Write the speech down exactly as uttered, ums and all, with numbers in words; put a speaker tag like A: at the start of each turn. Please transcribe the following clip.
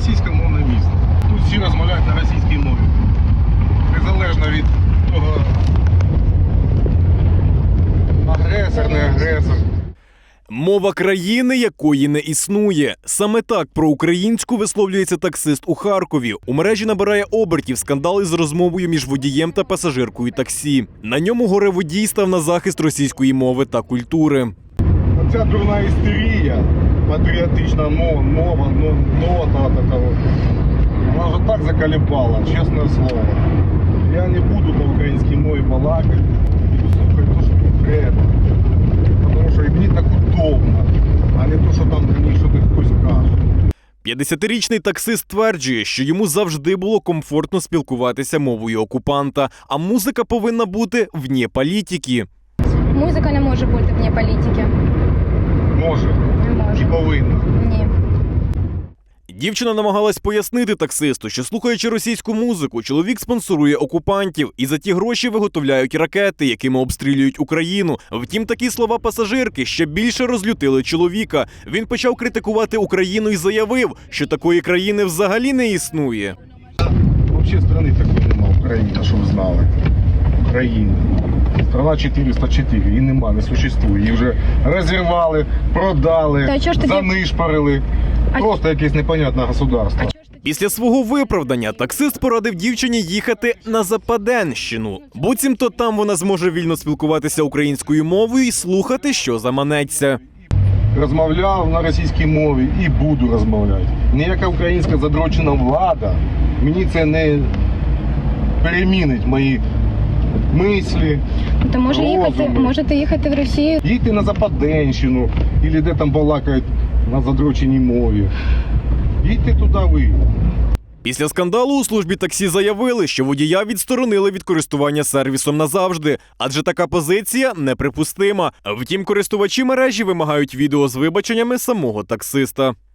A: російськомовне місто. Тут всі розмовляють на російській мові. Незалежно від того, агресор, не агресор.
B: Мова країни, якої не існує. Саме так про українську висловлюється таксист у Харкові. У мережі набирає обертів скандал із розмовою між водієм та пасажиркою таксі. На ньому горе-водій став на захист російської мови та культури.
A: Оця дурна істерія, патріотична мова, мова, нота такого. Вона вже так заколебала, чесне слово. Я не буду по українській мові балакати, буду слухати те, що мені треба. Тому що і мені так удобно, а не те, що там мені щось хтось каже.
B: п'ятдесятирічний таксист стверджує, що йому завжди було комфортно спілкуватися мовою окупанта, а музика повинна бути вне політики.
C: Музика не може бути вне політики.
A: Може.
C: Не може.
A: І повинна.
C: Ні.
B: Дівчина намагалась пояснити таксисту, що, слухаючи російську музику, чоловік спонсорує окупантів і за ті гроші виготовляють ракети, якими обстрілюють Україну. Втім, такі слова пасажирки ще більше розлютили чоловіка. Він почав критикувати Україну і заявив, що такої країни взагалі не існує.
A: Взагалі країни такої немає, Україна, щоб ви знали. Україна. Страна чотириста чотири, її нема, не существує. Її вже розірвали, продали,
C: Та чого ж тоді-
A: занишпарили.
C: А-
A: Просто якесь непонятне государство.
B: Після свого виправдання таксист порадив дівчині їхати на Западенщину. Буцімто там вона зможе вільно спілкуватися українською мовою і слухати, що заманеться.
A: Розмовляв на російській мові і буду розмовляти. Ніяка українська задрочена влада мені це не перемінить мої мислі,
C: То може їхати,
A: розуми.
C: можете їхати в Росію.
A: Їдьте на Западенщину, або де там балакають на задроченій мові. Їдьте туди ви.
B: Після скандалу у службі таксі заявили, що водія відсторонили від користування сервісом назавжди, адже така позиція неприпустима. Втім, користувачі мережі вимагають відео з вибаченнями самого таксиста.